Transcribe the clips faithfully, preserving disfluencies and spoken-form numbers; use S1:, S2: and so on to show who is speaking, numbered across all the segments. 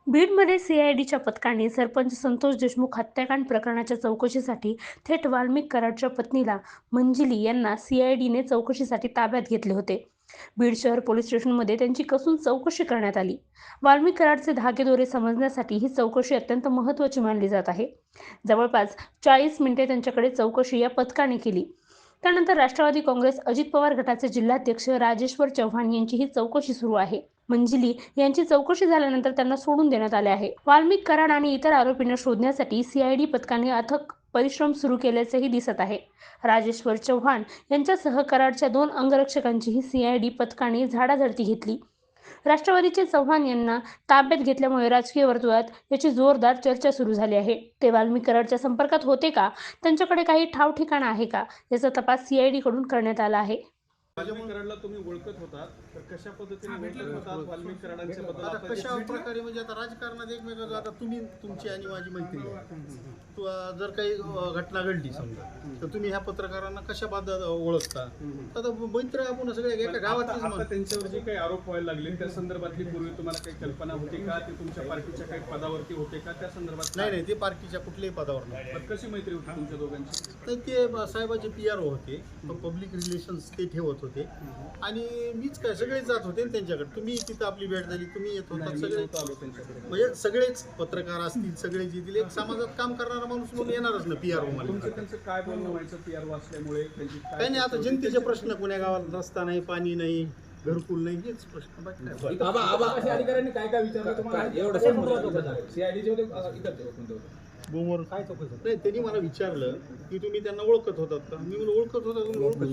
S1: बीडमध्ये सीआयडीच्या पथकाने सरपंच संतोष देशमुख हत्याकांड प्रकरणाच्या चौकशीसाठी थेट वाल्मिक कराडच्या पत्नीला मंजिली यांना सीआयडीने चौकशीसाठी ताब्यात घेतले होते. बीड शहर पोलीस स्टेशनमध्ये त्यांची कसून चौकशी करण्यात आली. वाल्मिक कराडचे धागेदोरे समजण्यासाठी ही चौकशी अत्यंत महत्त्वाची मानली जात आहे. जवळपास चाळीस मिनिटे त्यांच्याकडे चौकशी या पथकाने केली. त्यानंतर राष्ट्रवादी काँग्रेस अजित पवार गटाचे जिल्हाध्यक्ष राजेश्वर चव्हाण यांची ही चौकशी सुरू आहे. मंजिली यांची चौकशी झाल्यानंतर त्यांना सोडून देण्यात आले आहे. वाल्मिक कराड आणि इतर आरोपींना शोधण्यासाठी सीआयडी पथकाने अथक परिश्रम सुरू केल्याचेही दिसत आहे. राजेश्वर चव्हाण यांच्यासह कराडच्या दोन अंगरक्षकांचीही सीआयडी पथकाने झाडाझडती घेतली. राष्ट्रवादीचे चव्हाण यांना ताब्यात घेतल्यामुळे राजकीय वर्तुळात याची जोरदार चर्चा सुरू झाली आहे. ते वाल्मिक कराडच्या संपर्कात होते का, त्यांच्याकडे काही ठाव ठिकाणा आहे का, याचा तपास सीआयडी कडून करण्यात आला आहे.
S2: वाल्मिक कराडला तुम्ही ओळखत होतात तर कशा पद्धतीने ओळखत होतात वाल्मिक कराडांच्या बद्दल?
S3: आता कशा प्रकारे म्हणजे आता राजकारणात एकमेकांचं आता तुम्ही तुमची आणि माझी मैत्री आहे. तू जर काही घटना घडली समजा तर तुम्ही ह्या पत्रकारांना कशा पद्धत ओळखता? आता मैत्री आपण सगळ्या एका गावातलीच
S2: आता त्यांच्यावर जे काही आरोप व्हायला लागले त्या संदर्भातली पूर्वी तुम्हाला काही कल्पना होती का? ते तुमच्या पार्टीच्या काही पदावरती होते का? त्या संदर्भात
S3: नाही नाही ते पार्टीच्या कुठल्याही पदावर नाही.
S2: कशी मैत्री होती तुमच्या दोघांची?
S3: तर ते साहेबाचे पी आर ओ होते, पब्लिक रिलेशन्स ते ठेवत होते आणि मीच काय सगळेच जात होते ना त्यांच्याकडे. तुम्ही तिथं आपली भेट झाली, तुम्ही येत होता, सगळे म्हणजे सगळेच पत्रकार असतील, सगळे येतील. एक समाजात काम करणारा माणूस म्हणून येणारच ना पी आर ओ मला.
S2: त्यांचं काय बोलणं व्हायचं पी आर ओ असल्यामुळे?
S3: काही नाही, आता जनतेचे प्रश्न पुण्या गावात रस्ता नाही, पाणी नाही, घरकुल नाही, हेच प्रश्न.
S4: अधिकाऱ्यांनी काय काय विचारलं तुम्हाला? एवढं सीआयडीचे होते इकडचे होते?
S3: बोमवर काय चौकशी नाही. त्यांनी मला विचारलं की तुम्ही त्यांना ओळखत होतात का? मी म्हणून ओळखत होता. तुम्ही ओळखत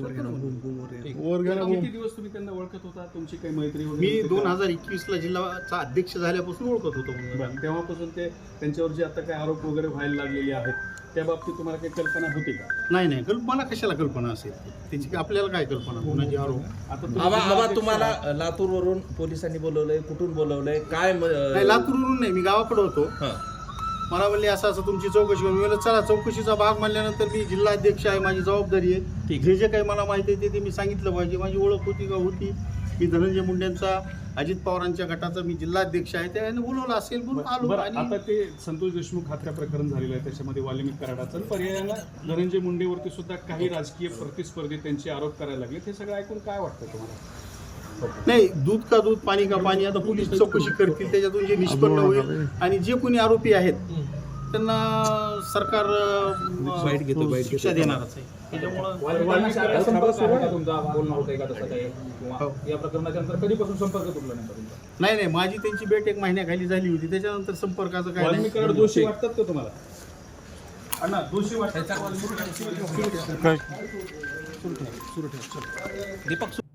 S2: किती दिवस तुम्ही त्यांना ओळखत होता? तुमची काही मैत्री होती?
S3: मी दोन हजार एकवीस ला जिल्हाचा अध्यक्ष झाल्यापासून ओळखत होतो.
S2: तेव्हापासून ते त्यांच्यावर जे आता काही आरोप वगैरे व्हायला लागलेले आहेत त्या बाबतीत तुम्हाला काही कल्पना होती का?
S3: नाही नाही, कल्पना कशाला कल्पना असेल त्याची? आपल्याला काय कल्पना कोणाची आरोप?
S5: आता तुम्हाला लातूर वरून पोलिसांनी बोलवलंय, कुठून बोलवलंय, काय?
S3: लातूरवरून नाही, मी गावाकडे होतो. मला म्हणले असं असं तुमची चौकशी करून. मी चला, चौकशीचा भाग म्हणल्यानंतर मी जिल्हा अध्यक्ष आहे, माझी जबाबदारी आहे. जे जे काही मला माहिती आहे ते मी सांगितलं पाहिजे. माझी ओळख होती का? होती. मी धनंजय मुंडेंचा, अजित पवारांच्या गटाचा मी जिल्हा अध्यक्ष आहे. त्याने बोलवलं असेल म्हणून आलो.
S2: आता ते संतोष देशमुख हत्या प्रकरण झालेलं आहे, त्याच्यामध्ये वाल्मिक कराडाचं पर्यायानं धनंजय मुंडेवरती सुद्धा काही राजकीय प्रतिस्पर्धी त्यांचे आरोप करायला लागले. हे सगळं ऐकून काय वाटतं तुम्हाला?
S3: नाही, दूध का दूध, पाणी का पाणी. आता पोलीस चौकशी करतील, त्याच्यातून जे निष्पन्न होईल आणि जे कोणी आरोपी आहेत त्यांना सरकार शिक्षा देणारच आहे. त्याच्यामुळं
S4: या प्रकरणाच्या नंतर कधीपासून संपर्क तुटला नाही?
S3: नाही नाही, माझी त्यांची भेट एक महिन्याखाली झाली होती. त्याच्यानंतर संपर्काचं काय
S2: वाल्मिक कराड दोषी वाटतात का तुम्हाला? अण्णा दोषी वाटतात?
S5: दीपक